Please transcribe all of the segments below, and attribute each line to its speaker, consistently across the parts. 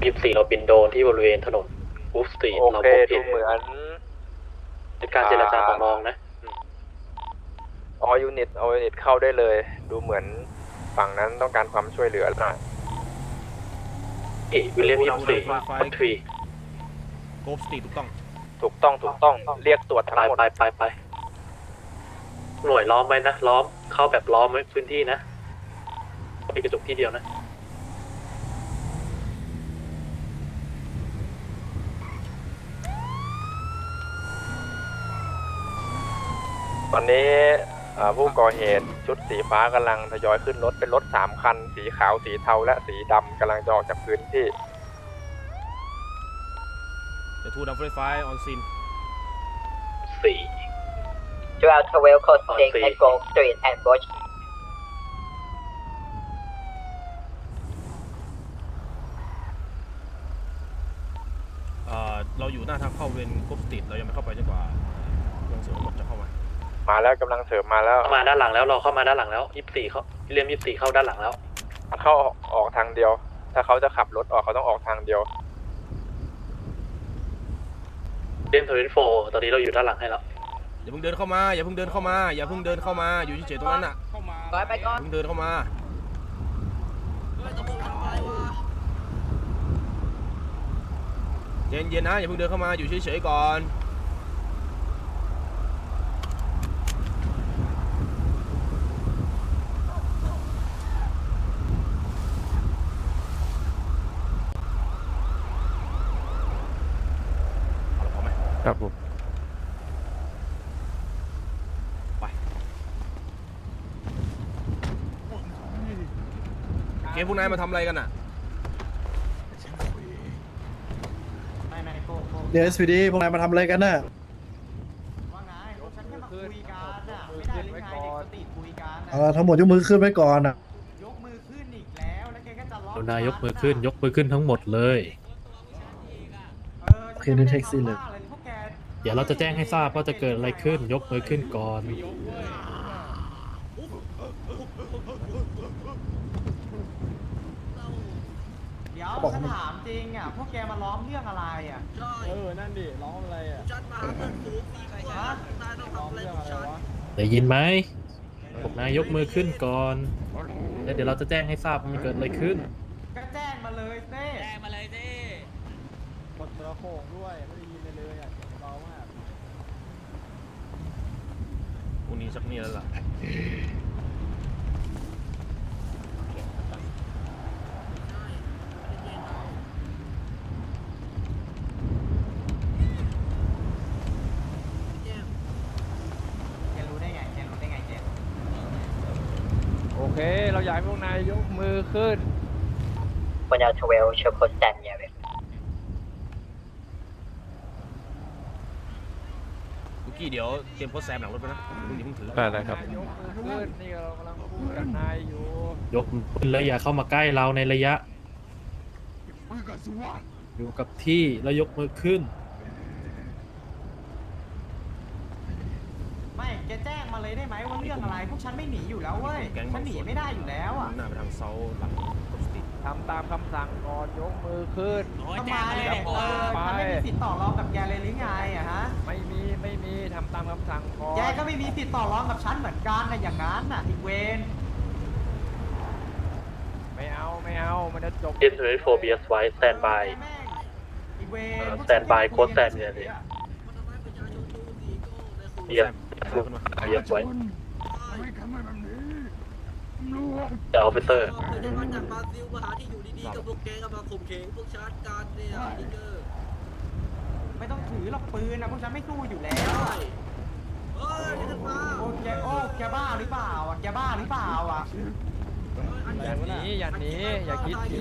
Speaker 1: 24เราบินโดนที่บริเวณถนนวูฟสตรีท
Speaker 2: โอ
Speaker 1: เรา
Speaker 2: เค
Speaker 1: พบ
Speaker 2: ดู
Speaker 1: เห็น
Speaker 2: เหมือน
Speaker 1: เป็นการเจรจาต่อรองนะ
Speaker 2: ออยูนิตเข้าได้เลย ดูเหมือนฝั่งนั้นต้องการความช่วยเหลือหน่อย
Speaker 1: วิลเลียม24คอนทรี
Speaker 3: โกฟสตีถูกต้อง
Speaker 2: ถูกต้องเรียกตรวจทั้งหมด
Speaker 1: ไปหน่วยล้อมไว้นะล้อมเข้าแบบล้อมไว้พื้นที่นะมีกระจกที่เดียวนะ
Speaker 2: ตอนนี้ผู้ก่อเหตุชุดสีฟ้ากำลังทยอยขึ้นรถเป็นรถ3คันสีขาวสีเทาและสีดำกำลังจะออกจากพื้นที่
Speaker 3: The two number 5 on scene
Speaker 1: 4
Speaker 4: 12 Code 6
Speaker 1: 4
Speaker 4: at Grove Street and Bush.
Speaker 3: เราอยู่หน้าทางเข้าเวนโกฟสตีเรายังไม่เข้าไปจนกว่าเครื่องเสริมรถจะเข้ามา
Speaker 2: มาแล้วกำลังเสริมมาแล้ว
Speaker 1: เข้ามาด้านหลังแล้วเราเข้ามาด้านหลังแล้ว24เขาวิลเลียม24เข้าด้านหลังแล้ว
Speaker 2: เข้าออกทางเดียว ถ้าเขาจะขับรถออกเขาต้องออกทางเดียว
Speaker 1: เล่ม24ตอนนี้เราอยู่ด้านหลังให้แล้ว
Speaker 3: อย่าเพิ่งเดินเข้ามาอย่าเพิ่งเดินเข้ามาอย่าเพิ่งเดินเข้ามาอยู่เฉยๆตรงนั้นน่ะ
Speaker 4: ไปก่อน
Speaker 3: เพิ่งเดินเข้ามาเย็นๆนะอย่าเพิ่งเดินเข้ามาอยู่เฉยๆก่อนพอไหม
Speaker 2: ครับผม
Speaker 3: เกมพวกนายมาทำอะไรกันอ่ะ
Speaker 5: เดี๋ยว SPD พวกนายมาทำอะไรกันน่ะ
Speaker 6: ว่าไงพวกฉันแค่มาคุยกันน่ะไม่ได้เลยไงเด็กสติคุยกันน่ะ
Speaker 5: เอาทั้งหมดยกมือขึ้นไว้ก่อนน่ะ
Speaker 6: ยกมือขึ้นอีกแล้วแล้วแกก็จะล็อก
Speaker 7: นายกมือขึ้นยกมือขึ้นทั้งหมดเลย
Speaker 5: โอเคนี่แท็กซี่เลย
Speaker 6: พวกแก
Speaker 7: เดี๋ยวเราจะแจ้งให้ทราบว่าจะเกิดอะไรขึ้น ยกมือขึ้นก่อน
Speaker 6: เดี๋ยวฉันถามจริงอ่ะพวกแกมาล้อมเรื่องอะไรอ่ะนั่นดิล้อมอะไรอ่ะฮะ
Speaker 7: ได้ยินไหมพวกนายยกมือขึ้นก่อน แล้วเดี๋ยวเราจะแจ้งให้ทราบว่ามันเกิดอะไรขึ้น
Speaker 6: ก็แจ้งมาเลยเต้
Speaker 3: พรุ่งนี้สักนี่แล้วล่ะ
Speaker 6: แกรู้ได้ไงแกรู้ได้ไงแก
Speaker 2: โอเค เราอยากให้พวกนายยกมือขึ้น
Speaker 4: 12 show Code 10 yeah.
Speaker 3: ลูกกี้เดี๋ยวเตรียมโพสแซมหลังรถไปนะเพิ่งถือ
Speaker 2: ได้ครับยกมือขึ้น นี่เรากำลังพูดกับนายอยู่
Speaker 7: ยกมือขึ้นแล้วอย่าเข้ามาใกล้เราในระยะ อยู่กับที่แล้วยกมือขึ้น
Speaker 6: ไม่แกแจ้งมาเลยได้ไหมว่าเรื่องอะไรพวกฉันไม่หนีอยู่แล้วเว้ยฉันหนีไม่ได้อยู่แล้วอ่ะ
Speaker 3: หน้าไปทางเซาหลังโกฟสตี
Speaker 2: ทำตามคำสั่งก่อนยกมือขึ้น
Speaker 6: ทำไมฉันไม่มีสิทธิ์ต่อรองกับแกเลยหรือไงอะฮะ
Speaker 2: ไม่มีทำตามคำสั่งก่อน
Speaker 6: แกก็ไม่มีสิทธิ์ต่อรองกับฉันเหมือนกันนะอย่างนั้นน่ะอีกเวน
Speaker 2: ไม่เอามันจะจบ
Speaker 1: เล่ม24 BS ไว้ stand by
Speaker 6: อีกเวน
Speaker 1: stand by โค้ดแซมเนี่ยเลยเบียร์เบียร์ไว้แต่ออฟฟิเซอร์
Speaker 8: ไม่ได้มาจากบราซิลมาหาที่อยู่ดีๆกับพวกแกก็มาข่มเหงพวกชาร์จการเนี่ยนี่เกอร์
Speaker 6: ไม่ต้องถือหรอกปืนนะพวกฉันไม่สู้อยู่แล้ว
Speaker 8: ใช่
Speaker 6: อะ
Speaker 8: เฮ้ยนี่ท่านมา
Speaker 6: โอ้แกบ้าหรือเปล่าอ่ะแกบ้าหรือเปล่าอ่ะ
Speaker 2: อย่าหนีอย่าคิดหนี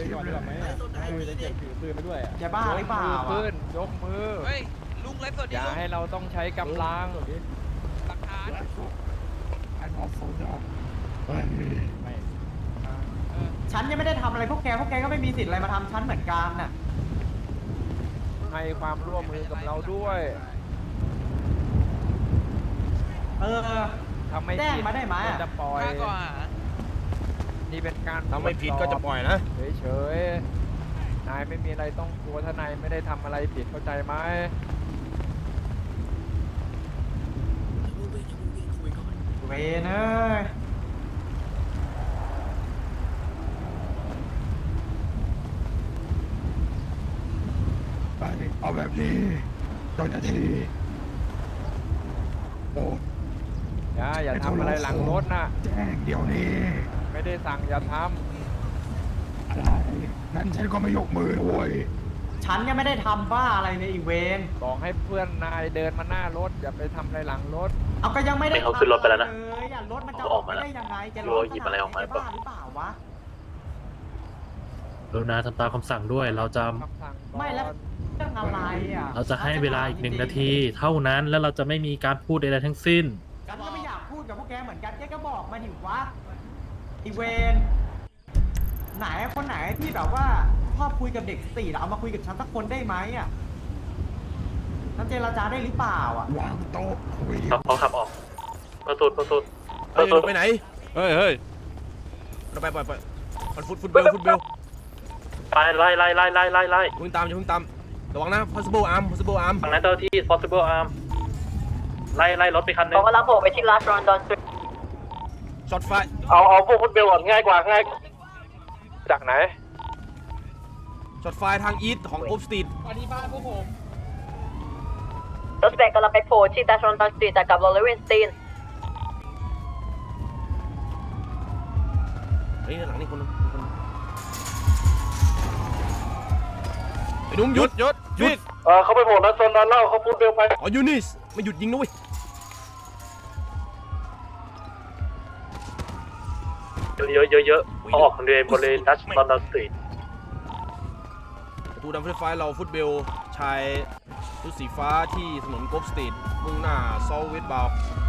Speaker 6: แกบ้าหรือเปล่า
Speaker 2: ขึ้
Speaker 6: อ่ะ
Speaker 2: นยกมืออย่าให้เราต้องใช้กำลัง
Speaker 6: ฉันยังไม่ได้ทำอะไรพวกแกก็ไม่มีสิทธิ์อะไรมาทำฉันเหมือนกันน่ะ
Speaker 2: ให้ความร่วมมือกับเราด้วย ทำไม่
Speaker 6: แจ้ง
Speaker 2: ผิด
Speaker 6: มาได้ไหม
Speaker 2: ก็จะปล่อย นี่เป็นการ
Speaker 3: ถ้าไม่ผิดก็จะปล่อยนะ
Speaker 2: เฉยๆายไม่มีอะไรต้องกลัวถ้านายไม่ได้ทำอะไรผิดเข้าใจไหม
Speaker 6: เวนเอ้ย
Speaker 9: เอาแบบนี้เจ้าหน้าที่โอ้
Speaker 2: อย่าทำอะไรหลังรถนะ
Speaker 9: แจ้งเดี๋ยวนี้
Speaker 2: ไม่ได้สั่งอย่าท
Speaker 9: อะไรงั้นฉันก็ไม่ยกมือโว้ย
Speaker 6: ฉันยังไม่ได้ทำบ้าอะไรเลยอีเวน
Speaker 2: ำบอกให้เพื่อนนายเดินมาหน้ารถอย่าไปทำอะไรหลังรถ
Speaker 6: เอาก็ยังไม่ได้
Speaker 1: ไม่เขาขึ้นรถไปแล้วนะ
Speaker 6: เลยอ่ะรถมันจะ
Speaker 1: เขา
Speaker 6: อ
Speaker 1: อ
Speaker 6: อ
Speaker 1: อก ก
Speaker 6: ไป
Speaker 1: มาแล้ว
Speaker 6: ได้ยังไงจะ
Speaker 1: รู้ว่าหยิบอะไรออกมา
Speaker 6: จะบ้าหรือเปล่าวะ
Speaker 7: กรุณาทำตามคำสั่งด้วย เราจะ
Speaker 2: คำสั่งก่อน
Speaker 6: ไม่แล้วเรื่องอะไรอ่ะ
Speaker 7: เราจะให้เวลาอีก1 นาที เท่านั้นแล้วเราจะไม่มีการพูดใดๆทั้งสิ้น
Speaker 6: ฉันก็ไม่อยากพูดกับพวกแกเหมือนกันแกก็บอกมาดิวะอีเวน ไหนคนไหนที่แบบว่าชอบคุยกับเด็กสตรีทเอามาคุยกับฉันสักคนได้ไหมอ่ะฉันเจรจาได้หรือเปล่าอ่ะ
Speaker 9: วางโต๊ะคุย
Speaker 1: เขาขับออกประตูประตู
Speaker 3: เฮ้ยไปไหนเฮ้ยเราไปฟุตเบล
Speaker 1: ไปไล่
Speaker 3: อย่าเพิ่งตามระวังนะ possible arm
Speaker 1: ฝั่งนั้นเจ้าที่ possible arm ไล่รถไปคันนึ
Speaker 4: เขา
Speaker 1: ง
Speaker 4: กำลังโผล่ไปที่ Last London Street
Speaker 3: ช็อตไฟ
Speaker 1: เอาพวกฟุตเบลก่อนง่ายกว่า
Speaker 2: จากไหน
Speaker 3: ช็อตไฟทางอีสของโอฟสตรีท
Speaker 4: รถแบกกำลังไปโผล่ที่ Last London Street แต่กับ Lawrence Stein
Speaker 3: เฮ้ยหลังนี่คนไอ้หนุ่มหยุด
Speaker 1: เขาไปโผล่นั้นโซนนั้นเล่าเขาฟุตเบลไป
Speaker 3: อ๋อยูนิสไม่หยุดยิงนะเว้ย
Speaker 1: เยอะเขาออกบริเวณดัชลอนดอนสตรีท
Speaker 3: ประตูดำไฟฟ้าเราฟุตเบลชายชุดสีฟ้าที่ถนนโกลฟสตรีทมุ่งหน้าซอลเวสต์บาว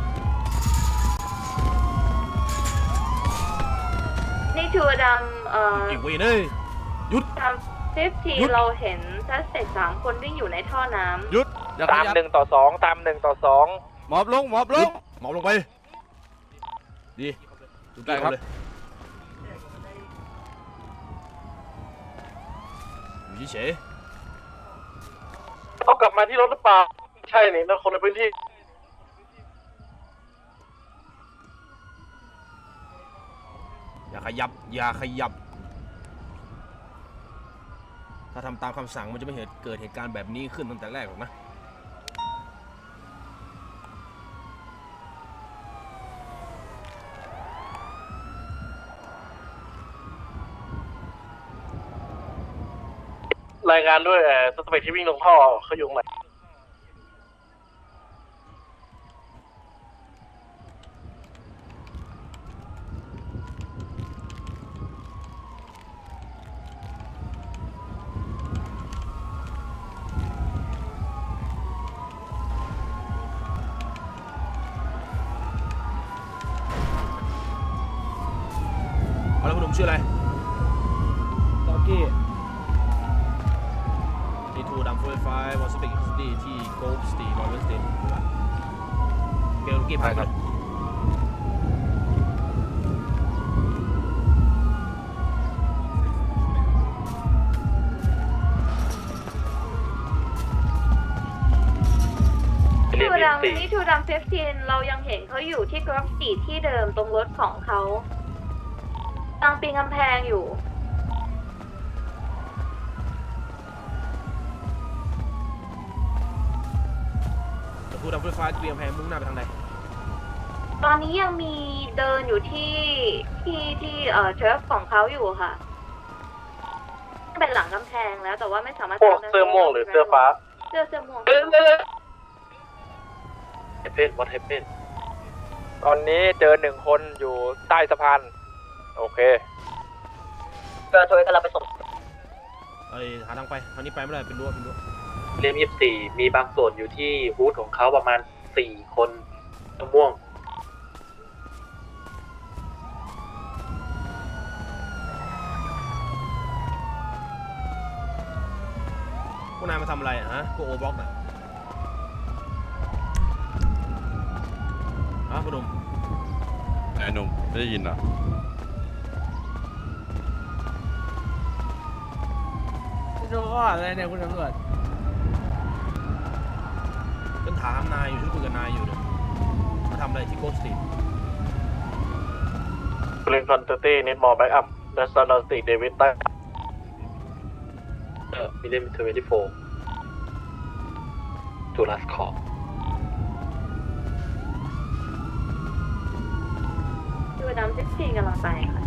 Speaker 10: นี่ทัวร์ดำ
Speaker 3: เก่งเว้ยเอ้ยหยุด
Speaker 10: ดำ15เราเห็นซัสเซก3 คนวิ่งอยู่ในท่อน้ำ
Speaker 3: หยุดอย่า
Speaker 2: ตาม
Speaker 3: ขยับ
Speaker 2: 1 ต่อ 2 ตาม 1 ต่อ 2
Speaker 3: หมอบลงหมอบลงไปดีได้ครับอยู่เฉย
Speaker 1: เขากลับมาที่รถหรือเปล่าใช่นี่นั่นคนในพื้นที่
Speaker 3: อย่าขยับถ้าทำตามคำสั่งมันจะไม่เกิดเหตุการณ์แบบนี้ขึ้นตั้งแต่แรกหรอกนะ
Speaker 1: รายงานด้วยสเปคที่วิ่งลงท่อเขาอยู่ตรงไหน
Speaker 3: เอาแล้วคุณหนุ่มชื่ออะไรด็อกกี้ดีทูดัมไฟวอลสติกสตีที่โกลสตีลอเรนสตีเกลกี้พายครับ
Speaker 10: ทัวร์ดำนี่ทัวร์ดำ15เรายังเห็นเขาอยู่ที่กรอฟสตรีทที่เดิมตรงรถของเขาตั้งปีนกำแพงอยู่
Speaker 3: ทูดัมไฟเตรียมแพงมุ่งหน้าไปทางใด
Speaker 10: ตอนนี้ยังมีเดินอยู่ที่เทรฟของเขาอยู่ค่ะเป็นหลังกำแพงแล้วแต่ว่าไม่สามารถ
Speaker 1: พวกเสื้อม่วงหรือเสื้อฟ้า
Speaker 10: เสื้อม่วง
Speaker 1: เฮปเพนวัดเฮปเพน
Speaker 2: ตอนนี้เจอ1 คนอยู่ใต้สะพาน โอเค
Speaker 4: เกิร์ลทเวกำลังไปส่ง
Speaker 3: หาทางไปทางนี้ไปไม่ได้เป็นรั้ว
Speaker 1: เรียม24มีบางส่วนอยู่ที่ฮูดของเขาประมาณ4 คนม่วง
Speaker 3: พวกนายมาทำอะไรฮะพวกโอบล็อกน่ะฮะคุณหนุ่ม
Speaker 11: ไอ้หนุ่มไม่ได้ยินเหรอ
Speaker 6: ดูข้อหาอะไรเนี่ยคุณตำรวจ
Speaker 3: ฉันถามนายอยู่ฉันคุยกับนายอยู่เนี่ยมาทำอะไรที่โกสตีน
Speaker 1: Green Quantity need more backup National State David มีเล่ม24 to last call
Speaker 10: ดูน้ำ14กำลังไปค่ะ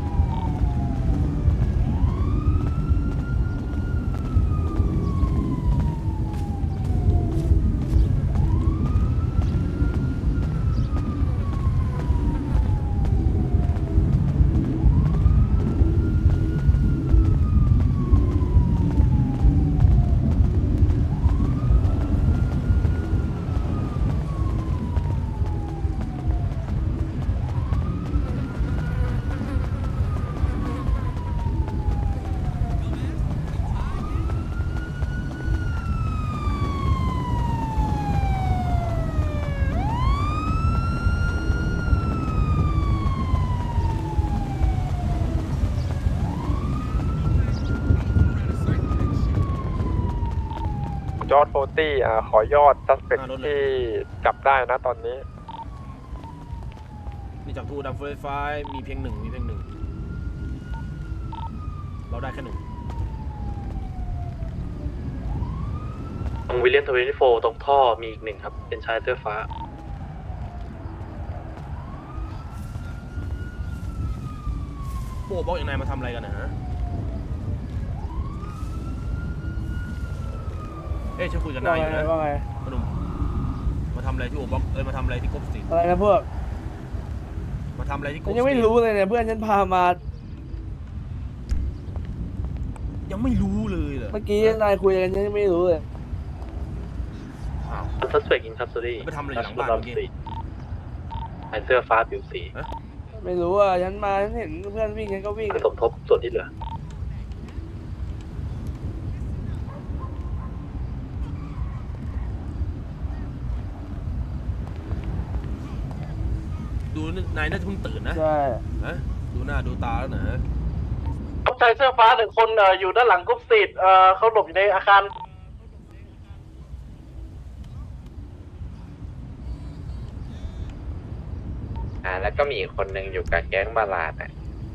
Speaker 2: จอร์ด40ขอยอด suspect ที่จับได้นะตอนนี้
Speaker 3: นี่จากทูดัมเฟอร์ไฟมีเพียงหนึ่งเราได้แค่หนึ่ง
Speaker 1: ตรงวิลเลียม24ตรงท่อมีอีกหนึ่งครับ เป็นชายเสื้อฟ้า
Speaker 3: โบ้บอกอย่างนายมาทำอะไรกันนะฮะเอ้ยฉันคุยกับนายอยู่นะ
Speaker 6: ว่าไง
Speaker 3: พนุ่มมาทำอะไรที่โอบ็อกมาทำอะไรที่กบสตีน
Speaker 6: อะไรนะพวก
Speaker 3: มาทำอะไรที่กบ
Speaker 6: ฉั
Speaker 3: ส
Speaker 6: น
Speaker 3: ตีน
Speaker 6: ยังไม่รู้เลยเนี่ยเพื่อนฉันพามา
Speaker 3: ยังไม่รู้เลยเหรอ
Speaker 6: เมื่อกี้นายคุยกันฉันยังไม่รู้เลย
Speaker 3: อ้าว
Speaker 1: Suspect in custody
Speaker 3: ไปทำอะไรอยู่หลังบ้านเมื่อกี้
Speaker 1: ชายเสื้อฟ้าผิวสี
Speaker 6: ไม่รู้อ่ะฉันมาฉันเห็นเพื่อนวิ่งฉันก็วิ่ง
Speaker 1: สมทบส่วนที่เหลือ
Speaker 3: ดูนายน่าจะเพิ่งตื่นนะ
Speaker 6: ใช่
Speaker 3: ฮะดูหน้าดูตาแล้วนะ
Speaker 1: ชายเสื้อฟ้าหนึ่งคนอยู่ด้านหลังกรุ๊ปสตรีทเขาหลบอยู่ในอาคาร
Speaker 2: แล้วก็มีอีกคนหนึ่งอยู่กับแก๊งบาลาดอ่ะ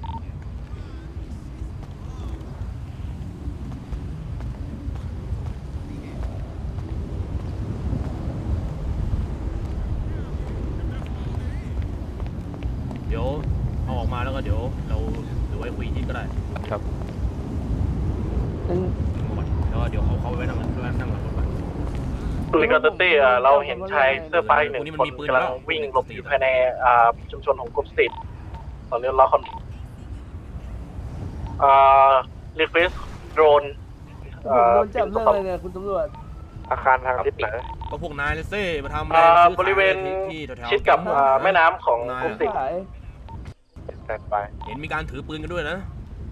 Speaker 3: เดี๋ยวเอาออกมาแล้วก็เดี๋ยวเราเดี๋ยวไว้คุยที่ก็ได้
Speaker 2: ครับ
Speaker 6: ฉัน
Speaker 3: แล้วก็เดี๋ยวเขาไปนั่งหลังรถไป
Speaker 1: Green Quantity เราเห็นชายเสื้อฟ้าอีกหนึ่งคนกำลังวิ่งหลบอยู่ภายในชุมชนของกรุ๊ปสตรีทตอนนี้เราคอนrequest drone
Speaker 6: โดนจับเรื่องอะไรเนี่ยคุณตำรวจ
Speaker 2: อาคารทางทิศไหน
Speaker 3: ก็พวกนายเลยเซ่มาทำอะไรซื้อขาย
Speaker 1: บริเวณ
Speaker 3: ที่แถวๆ
Speaker 1: ชิดกับแม่น้ำของกรุ๊ปสตรีท
Speaker 6: ขาย
Speaker 2: แตนไป
Speaker 3: เห็นมีการถือปืนกันด้วยนะ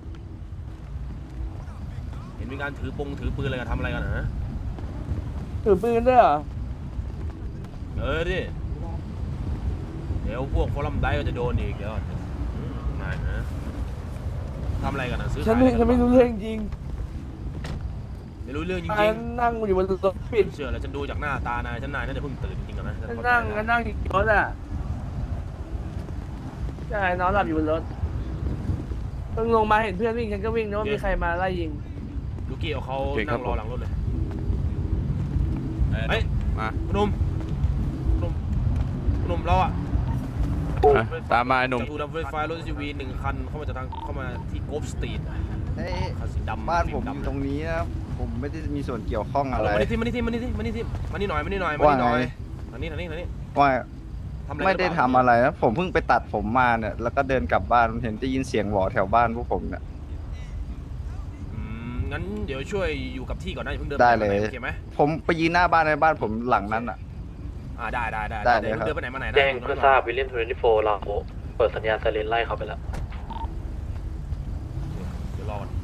Speaker 3: เห็นมีการถือปืนอะไรกันทำอะไรกันนะ
Speaker 6: ถือปืนด้วยเหรอ
Speaker 3: ดิเดี๋ยวพวกฟอรัมไดก็จะโดนอีกเดี๋ยวนายนะทำอะไรกันนะซื้อ
Speaker 6: ฉัน
Speaker 3: ขาย
Speaker 6: ไม่รู้เรื่องจริง
Speaker 3: ไม่รู้เรื่องจ
Speaker 6: ฉั
Speaker 3: ริง
Speaker 6: นนั่งอยู่บนรถปิด
Speaker 3: ๆเชื่อแล้วฉันดูจากหน้าตานายนายน่าจะเพิ่งตื่นจริงๆนะ
Speaker 6: ฉันนั่งอยู่บนรถอ่ะใช่นอนหลับอยู่บนรถเพิ่งลงมาเห็นเพื่อนวิ่งฉันก็วิ่งนึกว่ามีใครมาไล่ยิง
Speaker 3: ลูกี้เอาเขา
Speaker 11: โอเคครั
Speaker 3: นั่
Speaker 11: บ
Speaker 3: งรอหลังรถเลย
Speaker 11: เฮ้ย มา
Speaker 3: คุณหนุ่มเราอะ
Speaker 11: ตามมาไอ้หนุ่ม
Speaker 3: จากทูดัมเฟอร์ไฟรถ SUV 1 คันเข้ามาที่โกฟสตรีท
Speaker 12: เฮ้ย
Speaker 3: คันสีดำ
Speaker 12: บ้านผม
Speaker 3: สี
Speaker 12: อยู่
Speaker 3: ดำ
Speaker 12: ตรงนี้นะผมไม่ได้มีส่วนเกี่ยวข้องอะไร
Speaker 3: มานี่ที่มานี่หน่อย
Speaker 12: ว่าไง
Speaker 3: มานี่
Speaker 12: ว่า
Speaker 3: ทำอะไร
Speaker 12: ไม่ได้
Speaker 3: หรือเป
Speaker 12: ทำ
Speaker 3: ล่า
Speaker 12: อะไรนะผมเพิ่งไปตัดผมมาเนี่ยแล้วก็เดินกลับบ้านเห็นได้ยินเสียงหวอแถวบ้านพวกผมเนี่ย
Speaker 3: งั้นเดี๋ยวช่วยอยู่กับที่ก่อนนะอย่าเพิ่งเดิน
Speaker 12: ได้เลย
Speaker 3: โอเคไหม
Speaker 12: ผมไปยืนหน้าบ้านในบ้านผมหลังนั้นอ่ะ
Speaker 3: ได้
Speaker 12: ได้เลยครับ
Speaker 3: เดินไปไหนมาไหนนะ
Speaker 1: แจ้งเพื่อทราบวิลเลียม24เราเปิดสัญญาณไซเรนไล่เขาไปแล้ว
Speaker 3: เดี๋ยวรอก่อน